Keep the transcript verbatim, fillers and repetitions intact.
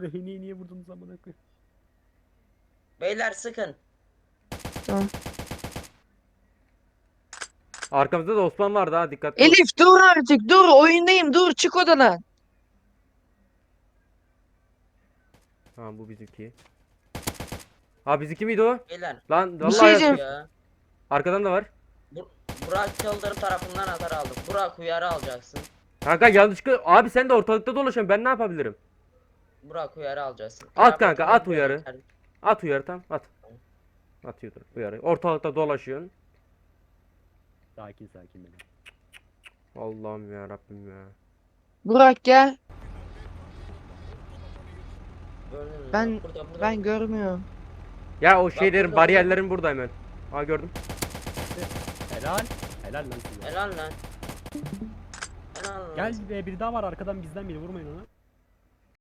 Rehineyi niye vurdunuz amına koyayım? Beyler sıkın. Tamam. Arkamızda da Osman vardı ha, dikkatli ol. Elif dur artık dur oyundayım dur çık odadan. Tamam bu bizimki. Ha bizimki miydi o? Beyler. Lan Bir şey vallahi diyeceğim. Ya. arkadan da var. Bur Burak Yıldırım tarafından atar aldık. Burak uyarı alacaksın. Kanka yanlışlıkla abi sen de ortalıkta dolaşıyorsun, ben ne yapabilirim? Burak uyarı alacaksın. At kanka, Kıyafetini at uyarı. yeter. At uyarı, tam at. Atıyordur uyarı. Ortalıkta dolaşıyorsun. Sakin sakin benim. Allah'ım ya Rabbim ya. Burak gel. Gördün mü? Ben Burada, burada. ben görmüyorum. Ya o şeylerin, burada, bariyerlerin burada hemen. Ha gördüm. Helal. Helal lan size. Helal lan. Helal lan. Gel be, biri daha var arkadan bizden biri, vurmayın ona.